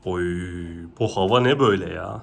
Oy, bu hava ne böyle ya?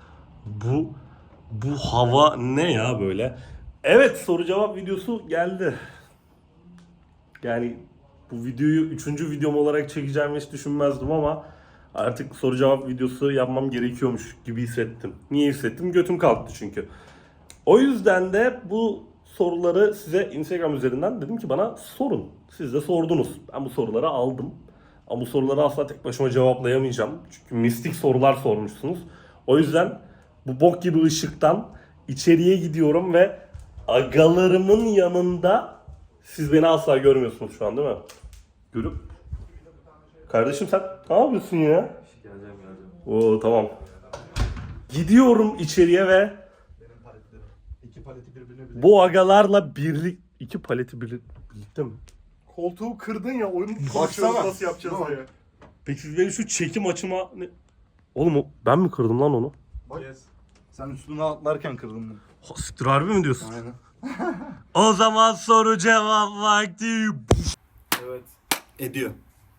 Bu hava ne ya böyle? Evet, soru cevap videosu geldi. Yani bu videoyu 3. videom olarak çekeceğimi hiç düşünmezdim ama artık soru cevap videosu yapmam gerekiyormuş gibi hissettim. Niye hissettim? Götüm kalktı çünkü. O yüzden de bu soruları size Instagram üzerinden dedim ki bana sorun. Siz de sordunuz. Ben bu soruları aldım. Ama bu soruları asla tek başıma cevaplayamayacağım. Çünkü mistik sorular sormuşsunuz. O yüzden bu bok gibi ışıktan içeriye gidiyorum ve agalarımın yanında siz beni asla görmüyorsunuz şu an değil mi? Görüp. Kardeşim sen ne yapıyorsun ya? Geleceğim. Oo tamam. Gidiyorum içeriye ve İki paleti birbirine birleştir. bu agalarla iki paleti birlikte mi? Koltuğu kırdın ya, oyunu Baksana. konuşuyoruz nasıl yapacağız Tamam. diye. Peki siz benim şu çekim açıma ne? Oğlum ben mi kırdım lan onu? Bak. Sen üstüne atlarken kırdın bunu. Ha, siktir harbi mi diyorsun? Aynen. O zaman soru cevap vakti. Evet. Ediyor.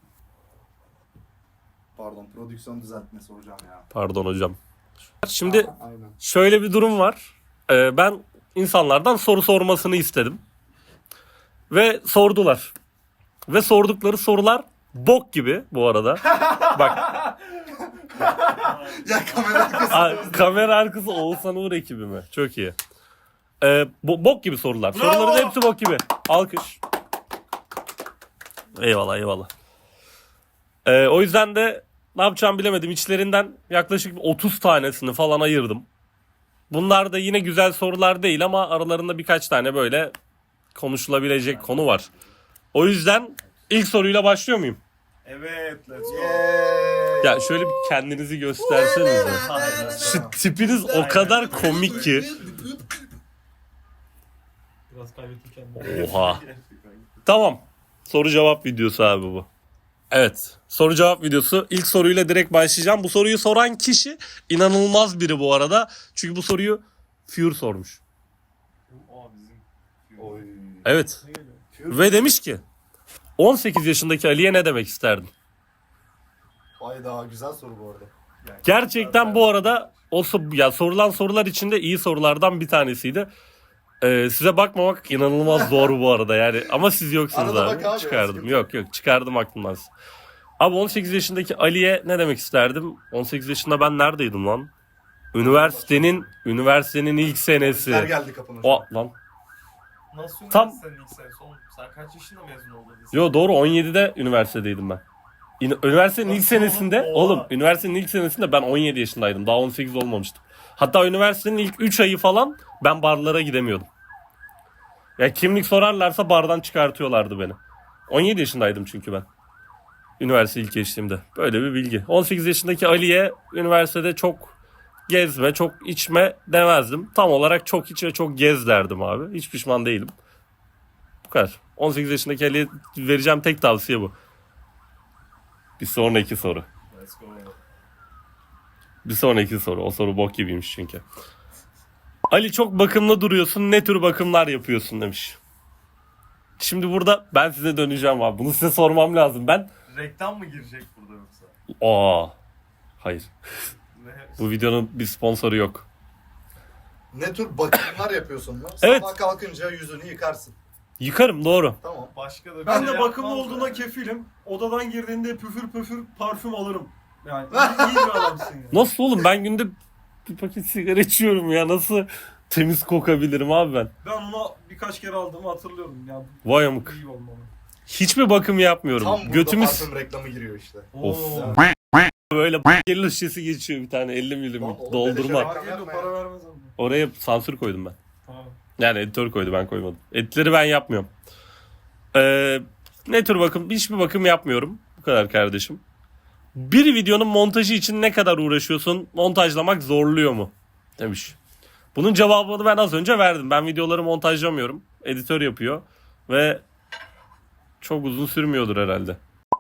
Pardon, prodüksiyon düzeltmesi hocam ya. Pardon hocam. Şimdi Aynen. şöyle bir durum var. Ben insanlardan soru sormasını istedim. Ve sordular. Ve sordukları sorular bok gibi bu arada. Bak Ya kamera arkası. kamera arkası Oğuzhan Uğur ekibi mi? Çok iyi. Bok gibi sorular. Bravo. Soruların hepsi bok gibi. Alkış. Eyvallah eyvallah. O yüzden de ne yapacağımı bilemedim. İçlerinden yaklaşık 30 tanesini falan ayırdım. Bunlar da yine güzel sorular değil ama aralarında birkaç tane böyle konuşulabilecek konu var. O yüzden ilk soruyla başlıyor muyum? Evet. Let's go. Ya şöyle bir kendinizi göstersenize. Şu tipiniz o kadar komik ki. Biraz kaybettim kendimi. Oha. Tamam. Soru cevap videosu abi bu. Evet. Soru cevap videosu. İlk soruyla direkt başlayacağım. Bu soruyu soran kişi inanılmaz biri bu arada. Çünkü bu soruyu Fure sormuş. Aa bizim. Oy. Evet. Ve demiş ki 18 yaşındaki Ali'ye ne demek isterdin? Vay daha güzel soru bu arada. Gerçekten bu arada ya sorulan sorular içinde iyi sorulardan bir tanesiydi. Size bakmamak inanılmaz zor bu arada yani ama siz yoksunuz Arada abi. bak abi, Çıkardım. sıkıntı Yok çıkardım aklımdan. Abi 18 yaşındaki Ali'ye ne demek isterdim? 18 yaşında ben neredeydim lan? Üniversitenin ilk senesi. Bizler geldi kapına. O lan. Nasıl Tam- üniversitenin ilk senesi oğlum? Sen kaç yaşında mezun oldun? Yo doğru 17'de üniversitedeydim ben. Üniversitenin ilk senesinde oğlum üniversitenin ilk senesinde ben 17 yaşındaydım. Daha 18 olmamıştım. Hatta üniversitenin ilk 3 ayı falan ben barlara gidemiyordum. Ya kimlik sorarlarsa bardan çıkartıyorlardı beni. 17 yaşındaydım çünkü ben. Üniversite ilk geçtiğimde. Böyle bir bilgi. 18 yaşındaki Ali'ye üniversitede çok gezme, çok içme demezdim. Tam olarak çok iç ve çok gez derdim abi. Hiç pişman değilim. Bu kadar. 18 yaşındaki Ali'ye vereceğim tek tavsiye bu. Bir sonraki soru. Let's go. Bir sonraki soru. O soru bok gibiymiş çünkü. Ali çok bakımlı duruyorsun. Ne tür bakımlar yapıyorsun demiş. Şimdi burada ben size döneceğim abi. Bunu size sormam lazım. Ben Reklam mı girecek burada yoksa? hayır. Ne? Bu videonun bir sponsoru yok. Ne tür bakımlar yapıyorsun lan? Evet. Sabah kalkınca yüzünü yıkarsın. Yıkarım doğru. Tamam. Başka da bir Ben şey de bakımlı yapmaz olduğuna yani. kefilim. Odadan girdiğinde püfür püfür parfüm alırım. Yani iyi bir adamsın ya. Nasıl oğlum ben günde bir paket sigara içiyorum ya. Nasıl temiz kokabilirim abi ben? Ben ona birkaç kere aldığımı hatırlıyorum. Ya Vay amık. iyi olmalı. Hiçbir bakım yapmıyorum. Tam burada Götümüz parfüm reklamı giriyor işte. Of. Oo. böyle gelir şişesi geçiyor bir tane 50 milim Oğlum, doldurma. beleşe Para geliyor, para vermez ama. Oraya sansür koydum ben. Tamam. Yani editör koydu ben koymadım. Editleri ben yapmıyorum. Ne tür bakım? Hiçbir bakım yapmıyorum. Bu kadar kardeşim. Bir videonun montajı için ne kadar uğraşıyorsun? Montajlamak zorluyor mu? Demiş. Bunun cevabını ben az önce verdim. Ben videoları montajlamıyorum. Editör yapıyor. Ve çok uzun sürmüyordur herhalde.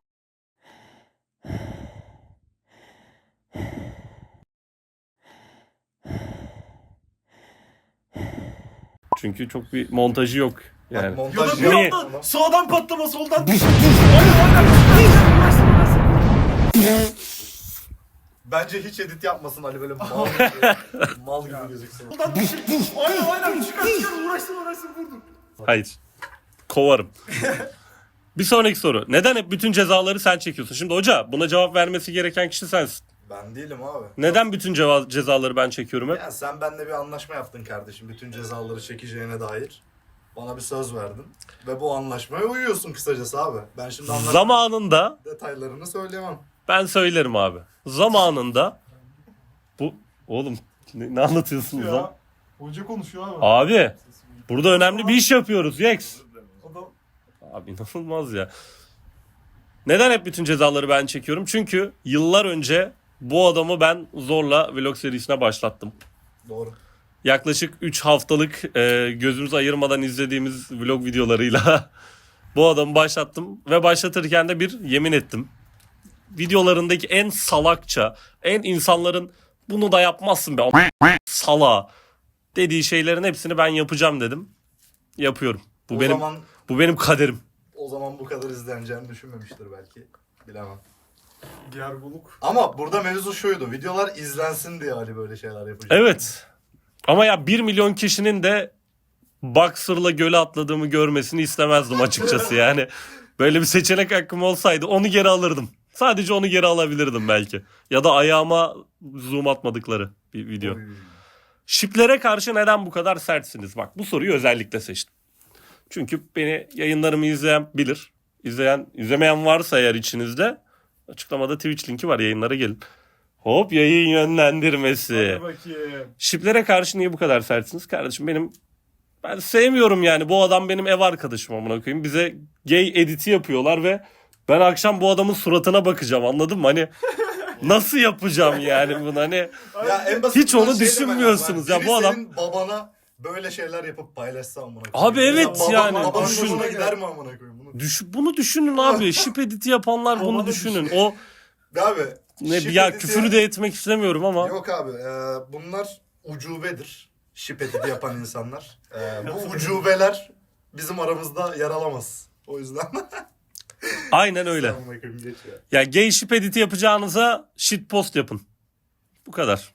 Çünkü çok bir montajı yok. Yani. Bak, Ya da montaj bir Niye? anda sağdan patlama soldan. Bence hiç edit yapmasın Ali böyle mal gibi, mal gibi gözüksün. Buradan bir şey. Aynen çıkar uğraşsın vurdur. Hayır. Kovarım. Bir sonraki soru. Neden hep bütün cezaları sen çekiyorsun? Şimdi hoca buna cevap vermesi gereken kişi sensin. Ben değilim abi. Neden bütün cezaları ben çekiyorum hep? Ya sen benimle bir anlaşma yaptın kardeşim. Bütün cezaları çekeceğine dair. Bana bir söz verdin. Ve bu anlaşmaya uyuyorsun kısacası abi. Ben şimdi anlaşma Zamanında detaylarını söyleyemem. ben söylerim abi. Zamanında bu oğlum ne anlatıyorsunuz lan? Ya. Hoca konuşuyor abi. Abi burada önemli bir iş yapıyoruz Yex. Adam Abi inanılmaz ya. Neden hep bütün cezaları ben çekiyorum? Çünkü yıllar önce bu adamı ben zorla vlog serisine başlattım. Doğru. Yaklaşık 3 haftalık gözümüz ayırmadan izlediğimiz vlog videolarıyla bu adamı başlattım. Ve başlatırken de bir yemin ettim. Videolarındaki en salakça, en insanların bunu da yapmazsın be sala dediği şeylerin hepsini ben yapacağım dedim. Yapıyorum. Bu benim kaderim. O zaman bu kadar izleneceğini düşünmemiştir belki. Bilemem. gerguluk. Ama burada mevzu şuydu. Videolar izlensin diye Ali böyle şeyler yapacak. Evet. Ama ya 1 milyon kişinin de boxer'la göle atladığımı görmesini istemezdim açıkçası yani. Böyle bir seçenek hakkım olsaydı onu geri alırdım. Sadece onu geri alabilirdim belki. Ya da ayağıma zoom atmadıkları bir video. Oy. Şiplere karşı neden bu kadar sertsiniz? Bak bu soruyu özellikle seçtim. Çünkü beni yayınlarımı izleyen bilir. İzlemeyen varsa eğer içinizde açıklamada Twitch linki var, yayınlara gelin. Hop yayın yönlendirmesi. Hadi bakayım. Şiplere karşı niye bu kadar sertsiniz? Kardeşim ben sevmiyorum yani. Bu adam benim ev arkadaşım amına koyayım. Bize gay editi yapıyorlar ve ben akşam bu adamın suratına bakacağım, anladın mı? Hani nasıl yapacağım yani bunu hani. Ya en basitinden Hiç onu şey düşünmüyorsunuz demek ya, bu biri adam- senin babana böyle şeyler yapıp paylaşsa amına Abi koyayım. evet Ya yani, babanın düşün. hoşuna gider mi amına koyayım bunu? Bunu düşünün abi. Şip editi yapanlar bunu Bana düşünün. O Abi ne şip ya, editi- küfür de etmek istemiyorum ama. Yok abi bunlar ucubedir. Şip editi yapan insanlar. Bu ucubeler bizim aramızda yer alamaz. O yüzden. Aynen öyle. Amına koyayım, geç ya. Ya gay ship editi yapacağınıza shit post yapın. Bu kadar.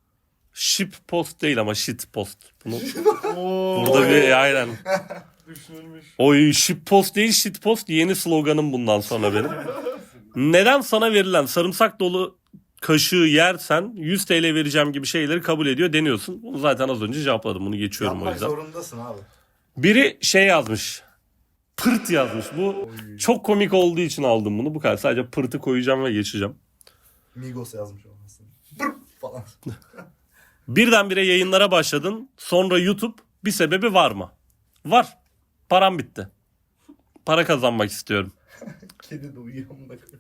Ship post değil ama shit post. Bunu Oo, burada bir aynen. düşünülmüş. Oy, ship post değil shit post yeni sloganım bundan sonra benim. Neden sana verilen sarımsak dolu kaşığı yersen 100 TL vereceğim gibi şeyleri kabul ediyor deniyorsun. Bunu zaten az önce cevapladım. Bunu geçiyorum o Yapmak yüzden. zorundasın abi. Biri şey yazmış. Pırt yazmış. Bu çok komik olduğu için aldım bunu. Bu kadar. Sadece pırtı koyacağım ve geçeceğim. Migos yazmış olmasın. Pırp falan. Birdenbire yayınlara başladın. Sonra YouTube. Bir sebebi var mı? Var. Param bitti. Para kazanmak istiyorum. Kedi de uyuyor amına koyayım.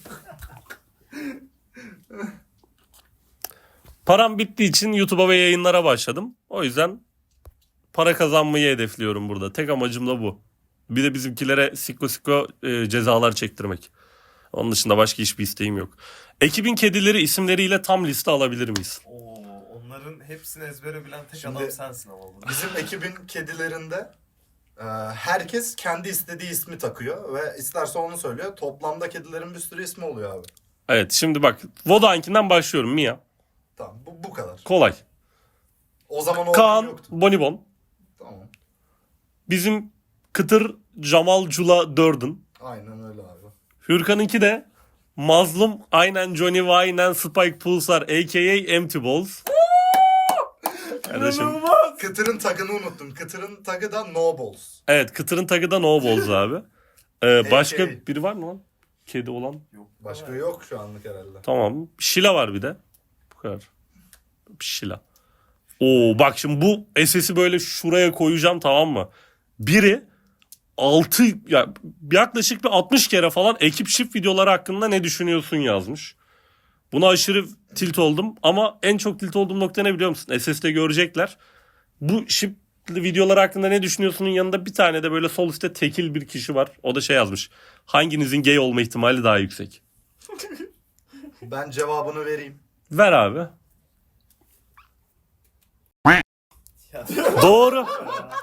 Param bittiği için YouTube'a ve yayınlara başladım. O yüzden para kazanmayı hedefliyorum burada. Tek amacım da bu. Bir de bizimkilere sikko cezalar çektirmek. Onun dışında başka hiçbir isteğim yok. Ekibin kedileri isimleriyle tam liste alabilir miyiz? Oo, onların hepsini ezbere bilen tek Şimdi- adam sensin ama burada. Bizim ekibin kedilerinde herkes kendi istediği ismi takıyor ve isterse onu söylüyor. Toplamda kedilerin bir sürü ismi oluyor abi. Evet, şimdi bak. Vodank'inden başlıyorum. Mia. Tamam bu kadar. Kolay. O zaman o Kaan yoktu. Bonibon. Tamam. Bizim Kıtır Jamal Cula Dördün. Aynen öyle abi. Hürkan'ınki de Mazlum aynen Johnny Wayne'en Spike Pulsar a.k.a. Empty Balls. Kardeşim. İnanılmaz. Kıtır'ın tagını unuttum. Kıtır'ın tagı da No Balls. Evet, Kıtır'ın tagı da No Balls abi. Başka A.K.A. biri var mı lan? Kedi olan. Yok. Başka yok şu anlık herhalde. Tamam. Şila var bir de. Bu kadar. Şila. Oo bak şimdi bu SS'i böyle şuraya koyacağım, tamam mı? Biri 6 ya yaklaşık bir 60 kere falan ekip shift videoları hakkında ne düşünüyorsun yazmış. Buna aşırı tilt oldum ama en çok tilt olduğum nokta ne biliyor musun? SS'de görecekler. Bu shift videolar hakkında ne düşünüyorsunun yanında bir tane de böyle sol üstte tekil bir kişi var. O da şey yazmış. Hanginizin gay olma ihtimali daha yüksek? Ben cevabını vereyim. Ver abi. Ya, Doğru.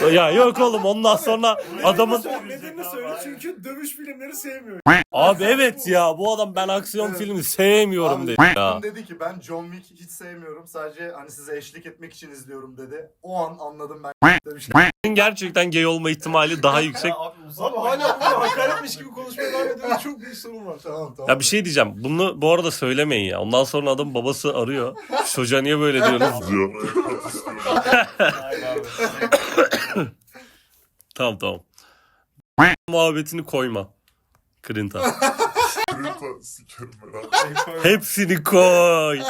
Ya yok oğlum ondan sonra adamın... Nedenini söyle çünkü dövüş filmleri sevmiyor. Abi evet ya bu adam ben aksiyon Evet. filmi sevmiyorum Abi, dedi ya. dedi ki ben John Wick hiç sevmiyorum. Sadece hani size eşlik etmek için izliyorum dedi. O an anladım ben demişler. Gerçekten gay olma ihtimali daha yüksek. Ya abi uzak. Abi hala burada hakaretmiş gibi konuşmaya devam ediyoruz. Çok büyük sorun var. Tamam tamam. Ya bir şey diyeceğim. Bunu bu arada söylemeyin ya. Ondan sonra adam babası arıyor. Şu çocuğa niye böyle diyorsunuz diyor. Hayır abi. Tamam. Muhabbetini koyma. Krinta. Hepsini koy.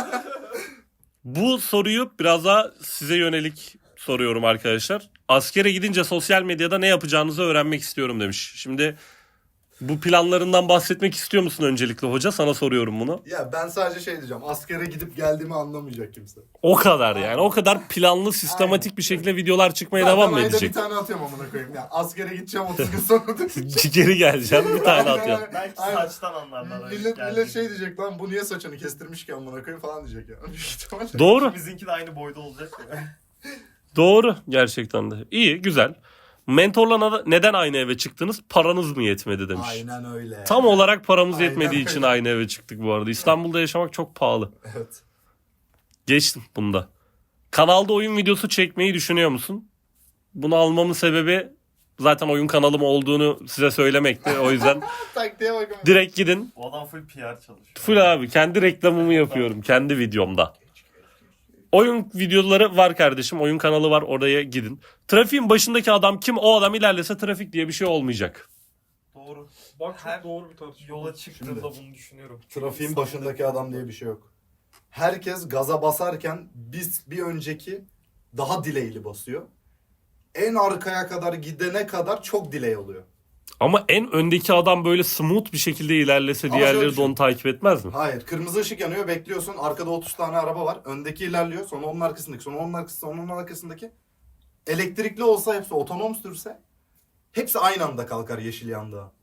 Bu soruyu biraz daha size yönelik soruyorum arkadaşlar. Askere gidince sosyal medyada ne yapacağınızı öğrenmek istiyorum demiş. Şimdi bu planlarından bahsetmek istiyor musun öncelikle hoca? Sana soruyorum bunu. Ya ben sadece şey diyeceğim. Askere gidip geldiğimi anlamayacak kimse. O kadar yani. O kadar planlı, sistematik bir şekilde videolar çıkmaya devam mı Zaten ayda edecek? bir tane atıyorum amına koyayım. Ya askere gideceğim 30 gün sonra. Geri geleceğim bir tane atacağım. Belki Aynen. saçtan anlarlar. Millet şey diyecek lan bu niye saçını kestirmiş ki amına koyayım falan diyecek ya. Büyük ihtimalle. Doğru. Bizimki de aynı boyda olacak. Doğru gerçekten de. İyi güzel. Mentorla neden aynı eve çıktınız? Paranız mı yetmedi demiş. Aynen öyle. Tam olarak paramız Aynen yetmediği için öyle. aynı eve çıktık bu arada. İstanbul'da yaşamak çok pahalı. Evet. Geçtim bunda. Kanalda oyun videosu çekmeyi düşünüyor musun? Bunu almamın sebebi zaten oyun kanalım olduğunu size söylemekti. O yüzden Taktiğe bakın. direkt gidin. Bu adam full PR çalışıyor. Full abi kendi reklamımı yapıyorum kendi videomda. Oyun videoları var kardeşim. Oyun kanalı var oraya gidin. Trafiğin başındaki adam kim? O adam ilerlese trafik diye bir şey olmayacak. Doğru. Bak çok Her doğru bir tartışma. yola çıktığımda bunu düşünüyorum. Trafiğin başındaki adam diye bir şey yok. Herkes gaza basarken bir önceki daha delay'li basıyor. En arkaya kadar gidene kadar çok delay oluyor. Ama en öndeki adam böyle smooth bir şekilde ilerlese Ama diğerleri şöyle de onu takip etmez mi? Hayır, kırmızı ışık yanıyor, bekliyorsun. Arkada 30 tane araba var. Öndeki ilerliyor, sonra onun arkasındaki, sonra onun arkasındaki, sonra onun arkasındaki. Elektrikli olsa hepsi otonom sürse hepsi aynı anda kalkar yeşil yanda.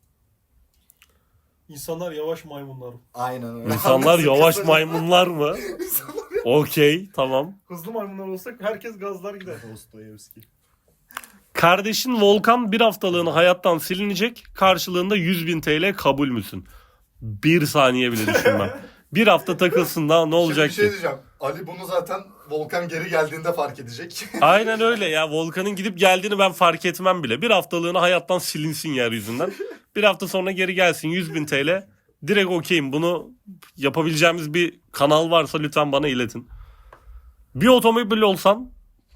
İnsanlar yavaş maymunlar. Aynen öyle. İnsanlar yavaş Kısaca- maymunlar mı? Okey tamam. Hızlı maymunlar olsak herkes gazlar gider. Dostoyevski. Kardeşin Volkan bir haftalığına hayattan silinecek. Karşılığında 100.000 TL kabul müsün? Bir saniye bile düşünmem. Bir hafta takılsın da ne olacak Şimdi bir şey ki? diyeceğim. Ali bunu zaten Volkan geri geldiğinde fark edecek. Aynen öyle ya. Volkan'ın gidip geldiğini ben fark etmem bile. Bir haftalığına hayattan silinsin yeryüzünden. Bir hafta sonra geri gelsin 100.000 TL. Direkt okeyim. Bunu yapabileceğimiz bir kanal varsa lütfen bana iletin. Bir otomobil olsan,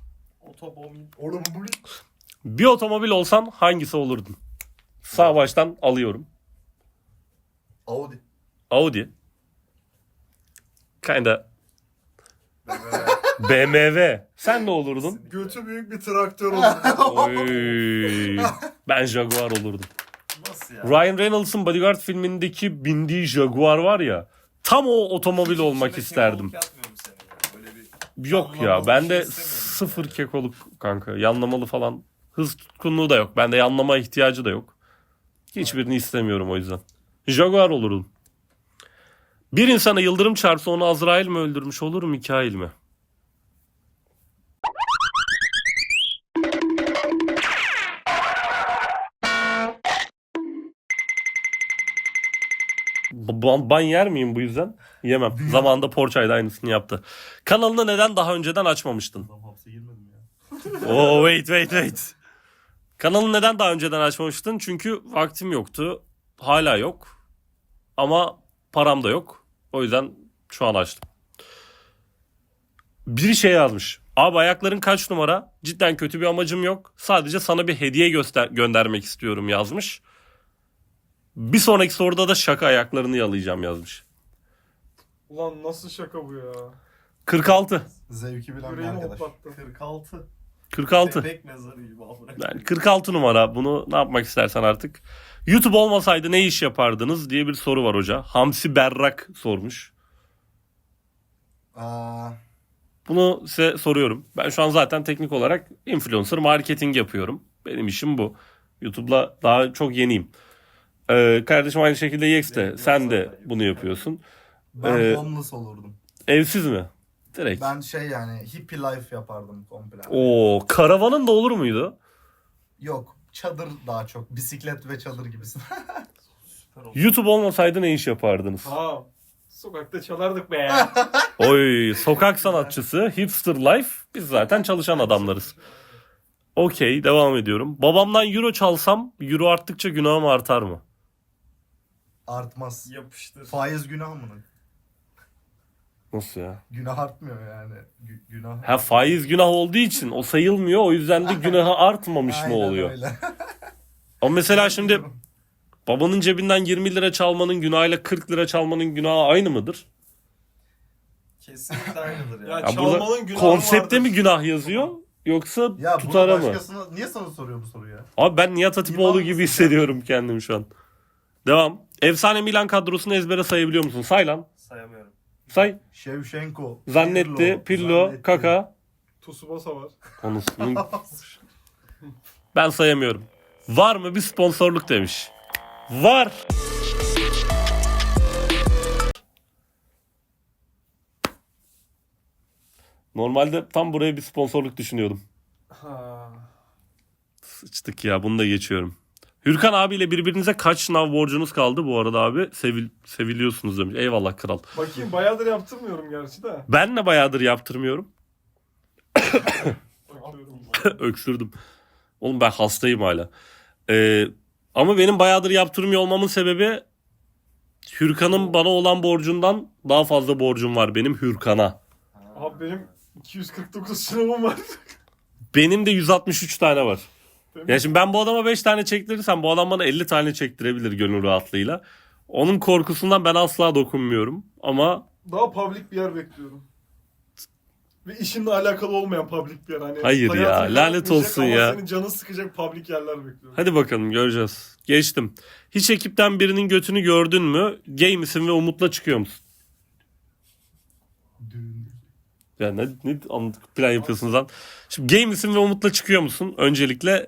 bir otomobil olsan hangisi olurdun? Sağ baştan alıyorum. Audi. Audi. Kinda BMW. Sen ne olurdun? Götü büyük bir traktör oldu. Oy. Ben Jaguar olurdum. Nasıl ya? Ryan Reynolds'ın Bodyguard filmindeki bindiği Jaguar var ya. Tam o otomobil olmak İçinde isterdim. kekoluk yapmıyor mu seni ya? Böyle bir Yok yanlamalı ya bir bende şey istemiyorum sıfır yani. kekoluk kanka. Yanlamalı falan. Hız tutkunluğu da yok. Bende yanlama ihtiyacı da yok. Hiçbirini istemiyorum o yüzden. Jaguar olurdum. Bir insana yıldırım çarpsa onu Azrail mi öldürmüş olur Mikail mi? Ban yer miyim bu yüzden? Yemem. Zamanında Porçay da aynısını yaptı. Kanalını neden daha önceden açmamıştın? Hapse girmedim ya. Oh wait. Kanalı neden daha önceden açmamıştın? Çünkü vaktim yoktu. Hala yok. Ama param da yok. O yüzden şu an açtım. Bir şey yazmış. Abi ayakların kaç numara? Cidden kötü bir amacım yok. Sadece sana bir hediye göndermek istiyorum yazmış. Bir sonraki soruda da şaka ayaklarını yalayacağım yazmış. Ulan nasıl şaka bu ya? 46. Zevki bilen bir Yüreğimi arkadaş. hoplattı. 46. 46. Bebek mezarı gibi amına. Yani 46 numara. Bunu ne yapmak istersen artık. YouTube olmasaydı ne iş yapardınız diye bir soru var hoca. Hamsi Berrak sormuş. Aa, Bunu size soruyorum. Ben şu an zaten teknik olarak influencer marketing yapıyorum. Benim işim bu. YouTube'la daha çok yeniyim. Kardeşim aynı şekilde Yex de sen de bunu yapıyorsun. ben homeless olurdum. Evsiz mi? Direkt. Ben şey yani hippie life yapardım komple. Oo, karavanın da olur muydu? Yok. Çadır daha çok. Bisiklet ve çadır gibisin. Süper oldu. YouTube olmasaydı ne iş yapardınız? Ha. Sokakta çalardık be. Oy, sokak sanatçısı, hipster life. Biz zaten çalışan adamlarız. Okey, devam ediyorum. Babamdan euro çalsam, euro arttıkça günahım artar mı? Artmaz. Yapıştır. Faiz günah mı? Nasıl ya? Günah artmıyor yani. Günah. Ha, faiz günah olduğu için o sayılmıyor. O yüzden de günahı artmamış mı Aynen oluyor? öyle. Ama mesela şimdi babanın cebinden 20 lira çalmanın günahıyla 40 lira çalmanın günahı aynı mıdır? Kesinlikle aynıdır ya. Ya Ya çalmanın burada günahı konsepte vardır. mi günah yazıyor yoksa Ya bunu tutara mı? başkasına niye sana soruyor bu soruyu ya? Abi ben Nihat Hatipoğlu İmam gibi mısın hissediyorum kendimi şu an. Devam. Efsane Milan kadrosunu ezbere sayabiliyor musun? Say lan. Sayamıyorum. Say. Shevchenko, Zannetti, Pirlo, Zannetti. Kaka. Tsubasa var. Konusunu ben sayamıyorum. Var mı bir sponsorluk demiş. Var. Normalde tam buraya bir sponsorluk düşünüyordum. Ha. Sıçtık ya, bunu da geçiyorum. Hürkan abiyle birbirinize kaç sınav borcunuz kaldı bu arada abi? Seviliyorsunuz demiş. Eyvallah kral. Bakayım bayağıdır yaptırmıyorum gerçi de. Ben de bayağıdır yaptırmıyorum. Bakıyorum. Öksürdüm. Oğlum ben hastayım hala. Ama benim bayağıdır yaptırmıyor olmamın sebebi Hürkan'ın bana olan borcundan daha fazla borcum var benim Hürkan'a. Abi benim 249 sınavım var. Benim de 163 tane var. Değil mi? Ya şimdi ben bu adama 5 tane çektirirsem bu adam bana 50 tane çektirebilir gönül rahatlığıyla. Onun korkusundan ben asla dokunmuyorum. Ama Daha public bir yer bekliyorum. Ve işimle alakalı olmayan public bir yer. Hani Hayır ya, hayatını lanet yaratmayacak olsun ama ya. senin canını sıkacak public yerler bekliyorum. hadi bakalım göreceğiz. Geçtim. Hiç ekipten birinin götünü gördün mü? Gay misin ve Umut'la çıkıyor musun? Ya ne plan yapıyorsunuz lan? Şimdi gay misin ve Umut'la çıkıyor musun? Öncelikle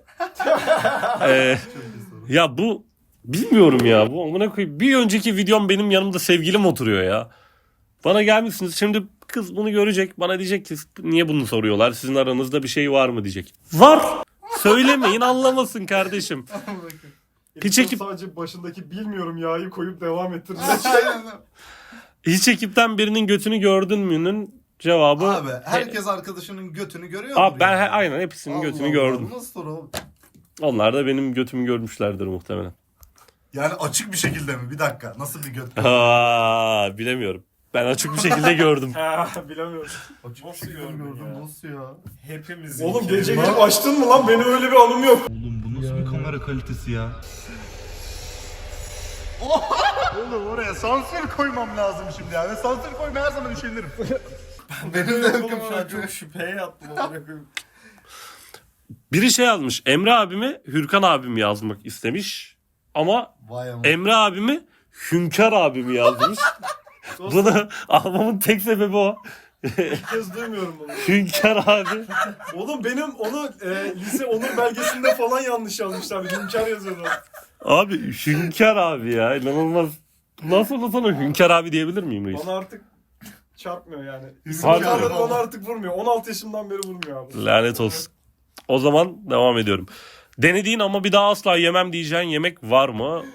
ya bu bilmiyorum ya, bu amına koyayım. Bir önceki videom benim yanımda sevgilim oturuyor ya. Bana gelmişsiniz şimdi, kız bunu görecek, bana diyecek ki niye bunu soruyorlar, sizin aranızda bir şey var mı diyecek. Var. Söylemeyin, anlamasın kardeşim. Hiç ekip Sadece başındaki bilmiyorum yağı koyup devam ettirdim. hiç ekipten birinin götünü gördün mü'nün cevabı Abi herkes arkadaşının götünü görüyor Abi ben yani. aynen hepsinin götünü Allah gördüm. Allah, nasıl soru? Onlar da benim götümü görmüşlerdir muhtemelen. Yani açık bir şekilde mi? Bir dakika. Nasıl bir göt? Aa, bilemiyorum. Ben açık bir şekilde gördüm. Ha, bilemiyorum. Açık bir Nasıl şekilde gördün gördüm. ya? Nasıl ya? Hepimiz. Oğlum gece gelip açtın mı lan? Benim öyle bir anım yok. Oğlum bu nasıl bir kamera kalitesi ya? Oğlum oraya sansür koymam lazım şimdi ya. Ve sansür koymaya her zaman üşenirim. Benim de Oğlum hüküm şu an çok şüpheye yattım. amına koyayım. Biri şey yazmış. Emre abimi Hürkan abim yazmak istemiş. Ama Vay ama. Emre abimi Hünkar abimi yazmış. Bunu almamın tek sebebi o. İlk kez duymuyorum bunu. Hünkar abi. Oğlum benim onu lise onur belgesinde falan yanlış yazmışlar. Hünkar yazıyordu. Abi Hünkar abi ya. İnanılmaz. Nasıl da sana Hünkar abi diyebilir miyim reis? Bana artık çarpmıyor yani. Harbi İsimlerden mi? bana artık vurmuyor. 16 yaşımdan beri vurmuyor abi. Lanet olsun. O zaman devam ediyorum. Denediğin ama bir daha asla yemem diyeceğin yemek var mı?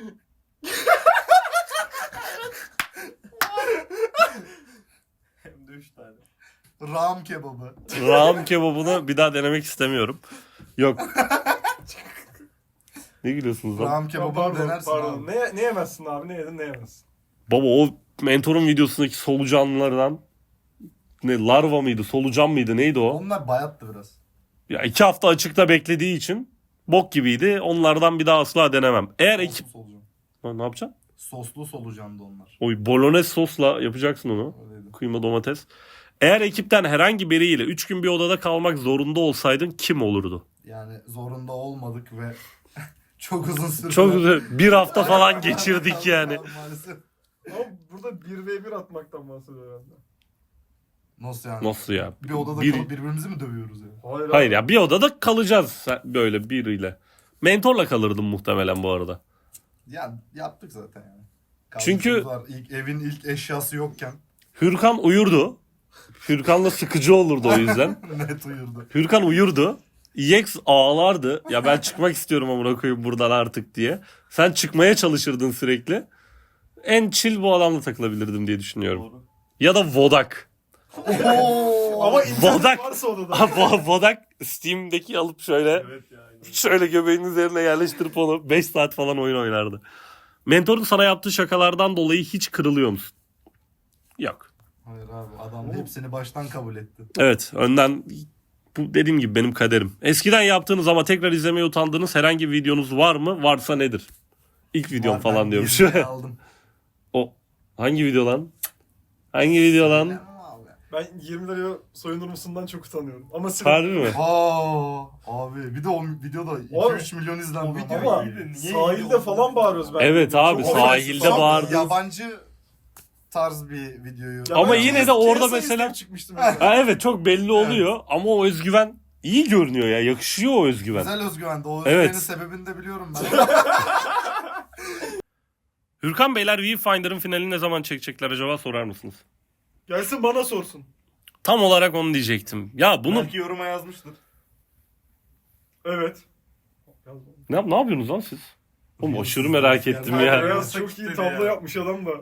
Hem de 3 tane. Ram kebabı. Raham kebabını bir daha denemek istemiyorum. Yok. Ne gülüyorsunuz lan? Ram Ya kebabı pardon, denersin pardon. abi. Ne yemezsin abi? Ne yedin ne yemezsin? Baba o mentorun videosundaki solucanlardan ne larva mıydı, solucan mıydı, neydi o? Onlar bayattı biraz. Ya 2 hafta açıkta beklediği için bok gibiydi. Onlardan bir daha asla denemem. Eğer ekip... Soslu solucan. Ha, ne yapacaksın? Soslu solucandı onlar. Oy, bolognese sosla yapacaksın onu. Öyleydi. Kıyma, domates. Eğer ekipten herhangi biriyle 3 gün bir odada kalmak zorunda olsaydın kim olurdu? Yani zorunda olmadık ve çok uzun süre. Çok güzel. Bir hafta falan geçirdik yani. Maalesef. Ama burada 1v1 atmaktan bahsediyor herhalde. Nasıl yani? Nasıl ya? Bir odada Bir- kalıp birbirimizi mi dövüyoruz yani? Hayır, Hayır abi. ya, bir odada kalacağız böyle biriyle. Mentorla kalırdım muhtemelen bu arada. Ya yaptık zaten yani. Çünkü- Var. Evin ilk eşyası yokken Hürkan uyurdu. Hürkan'la sıkıcı olurdu o yüzden. net uyurdu. Hürkan uyurdu. EX ağlardı. Ya ben çıkmak istiyorum amına koyayım buradan artık diye. Sen çıkmaya çalışırdın sürekli. En chill bu adamla takılabilirdim diye düşünüyorum. Doğru. Ya da Vodak. Ama internet Vodak. varsa odada. Vodak Steam'deki alıp şöyle Evet yani. şöyle göbeğinin üzerine yerleştirip onu 5 saat falan oyun oynardı. Mentorun sana yaptığı şakalardan dolayı hiç kırılıyor musun? Yok. Hayır abi adam hepsini baştan kabul etti. Evet, önden bu dediğim gibi benim kaderim. Eskiden yaptığınız ama tekrar izlemeye utandığınız herhangi bir videonuz var mı? Varsa nedir? İlk videom Var, falan ben diyormuş. yerini aldım. O hangi video lan? Hangi video lan? Bilemem abi. Ben 20 liraya soyunur musundan çok utanıyorum. Ama Harbi mi? Abi bir de o videoda Abi, 2-3 milyon izlendi. o video Ama iyiydi, niye sahilde iyi falan bağırıyoruz ben. Evet abi, Çok sahilde affedersin. bağırdı. Yabancı tarz bir videoyu. Ya Ama ben yine de orada KSI mesela- izleyip çıkmıştım. mesela. Ha, evet çok belli oluyor ama o özgüven iyi görünüyor ya. Yakışıyor o özgüven. Güzel özgüvendi. O Evet. özgüvenin sebebini de biliyorum ben. Hürkan Beyler Viewfinder'ın finalini ne zaman çekecekler acaba sorar mısınız? Gelsin bana sorsun. Tam olarak onu diyecektim. Ya bunu Belki yoruma yazmıştır. Evet. ne yapıyorsunuz lan siz? Oğlum aşırı merak ettim ya. Beyaz çok iyi Dedi tablo ya. yapmış adam da.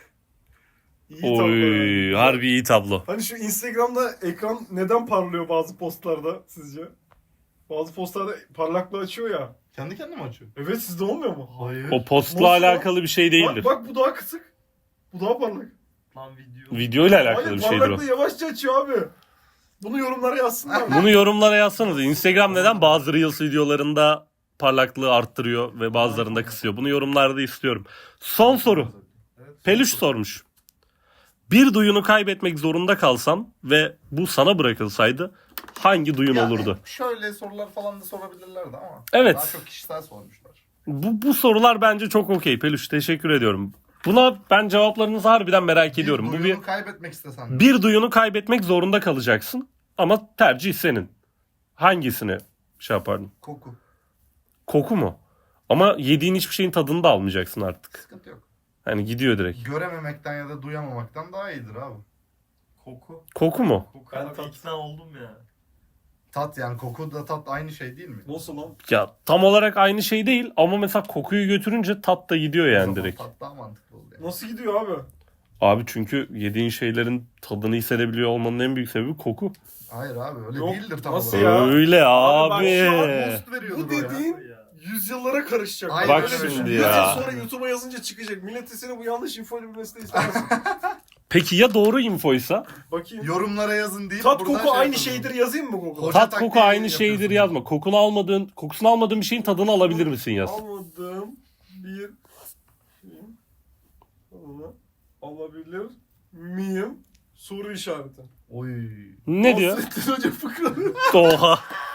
İyi tablo. Oy, yani. harbi iyi tablo. Hani şu Instagram'da ekran neden parlıyor bazı postlarda sizce? Bazı postlarda parlaklığı açıyor ya. Kendi kendine mi açıyor? Evet, sizde olmuyor mu? Hayır. O postla Nasıl lan? alakalı bir şey değildir. Bak bu daha kısık. Bu daha parlak. Lan video. Video ile alakalı Hayır, bir şeydir o. parlaklığı yavaşça açıyor abi. Bunu yorumlara yazsınlar. Bunu yorumlara yazsanız. Instagram neden bazı Reels videolarında parlaklığı arttırıyor ve bazılarında kısıyor? Bunu yorumlarda istiyorum. Son soru. Peluş sormuş. Bir duyunu kaybetmek zorunda kalsan ve bu sana bırakılsaydı hangi duyun Yani olurdu? şöyle sorular falan da sorabilirlerdi ama. Evet. Daha çok kişisel sormuşlar. Bu sorular bence çok okey Peluş. Teşekkür ediyorum. Buna ben cevaplarınızı harbiden merak ediyorum. Bu duyunu kaybetmek istesen. bir duyunu kaybetmek zorunda kalacaksın ama tercih senin. Hangisini şey yapardın? Koku. Koku mu? Ama yediğin hiçbir şeyin tadını da almayacaksın artık. Sıkıntı yok. Hani gidiyor direkt. Görememekten ya da duyamamaktan daha iyidir abi. Koku. Koku mu? Koku. Ben Ben tat- ikna oldum ya. Tat yani koku da tat aynı şey değil mi? Nasıl lan? Ya tam olarak aynı şey değil ama mesela kokuyu götürünce tat da gidiyor O yani zaman direkt. Tat daha mantıklı oluyor. Yani. Nasıl gidiyor abi? Abi çünkü yediğin şeylerin tadını hissedebiliyor olmanın en büyük sebebi koku. Hayır abi öyle Yok, değildir tam nasıl olarak. ya? Öyle Abi bak abi. şu an Boost veriyordur Bu o ya. dediğin Ya. yüzyıllara karışacak. Aynen Bak öyle şimdi düşün. 100 ya. yıl sonra YouTube'a yazınca çıkacak. Millet de seni bu yanlış infoyla bilmesini de istemezsin. Peki ya doğru infoysa? Bakayım. Yorumlara yazın deyip Tat buradan koku şey aynı yapalım. şeydir yazayım mı Google'a? Hoca Tat taktiği koku aynı yapıyorsun. şeydir yazma. Kokusunu almadığın bir şeyin tadını alabilir misin yaz. Almadığım bir şeyin tadını alabilir miyim? Soru işareti. Oy. Ne diyor? Nasrettin Hoca fıkraları. Oha.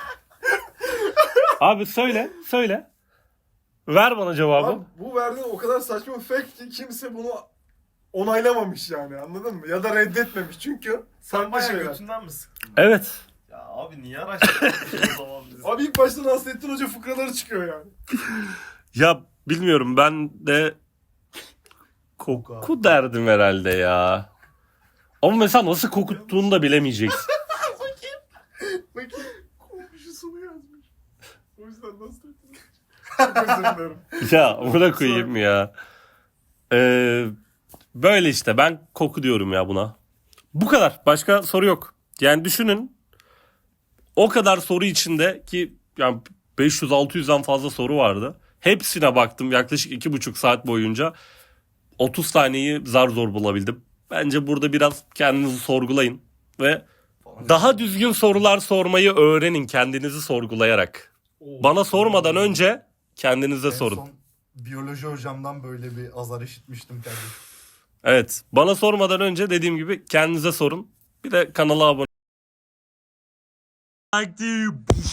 Abi söyle. Ver bana cevabı. Abi, bu verdiğin o kadar saçma bir fact ki kimse bunu onaylamamış yani, anladın mı? Ya da reddetmemiş çünkü Sen farklı bayağı şeyler. götünden mi sıktın? Evet. Ya abi niye araştırdın o zaman bizi? Abi ilk başta Nasrettin Hoca fıkraları çıkıyor yani. Ya bilmiyorum ben de koku derdim herhalde ya. Ama mesela nasıl kokuttuğunu da bilemeyeceksin. Bakayım. Komşusunu yazmış. O yüzden Nasrettin Hoca. Çok özür dilerim. Ya buna koyayım ya. Böyle işte ben koku diyorum ya buna. Bu kadar. Başka soru yok. Yani düşünün. O kadar soru içinde ki yani 500-600'den fazla soru vardı. Hepsine baktım yaklaşık 2,5 saat boyunca. 30 taneyi zar zor bulabildim. Bence burada biraz kendinizi sorgulayın. Ve daha düzgün sorular sormayı öğrenin kendinizi sorgulayarak. Bana sormadan önce kendinize En sorun. son biyoloji hocamdan böyle bir azar işitmiştim kardeşim. Evet. Bana sormadan önce dediğim gibi kendinize sorun. Bir de kanala abone